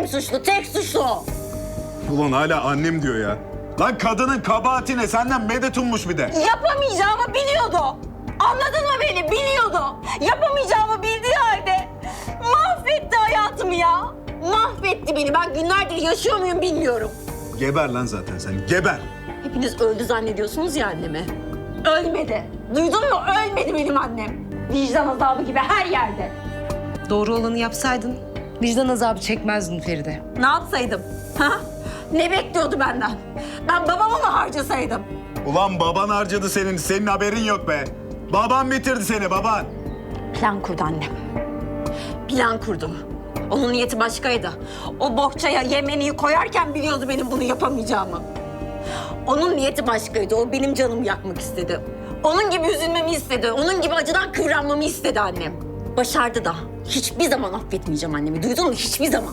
Annem suçlu, tek suçlu o. Ulan hala annem diyor ya. Lan kadının kabahati ne? Senden medet ummuş bir de. Yapamayacağımı biliyordu. Anladın mı beni? Biliyordu. Yapamayacağımı bildiği halde mahvetti hayatımı ya. Mahvetti beni. Ben günlerdir yaşıyor muyum bilmiyorum. Geber lan zaten sen, geber. Hepiniz öldü zannediyorsunuz ya annemi. Ölmedi. Duydun mu? Ölmedi benim annem. Vicdan azabı gibi her yerde. Doğru olanı yapsaydın vicdan azabı çekmezdin Feride. Ne yapsaydım? Ha? Ne bekliyordu benden? Ben babamı mı harcasaydım? Ulan baban harcadı senin haberin yok be. Baban bitirdi seni, baban. Plan kurdu annem. Plan kurdu. Onun niyeti başkaydı. O bohçaya Yemeni'yi koyarken biliyordu benim bunu yapamayacağımı. Onun niyeti başkaydı. O benim canımı yakmak istedi. Onun gibi üzülmemi istedi. Onun gibi acıdan kıvranmamı istedi annem. Başardı da. Hiçbir zaman affetmeyeceğim annemi. Duydun mu? Hiçbir zaman.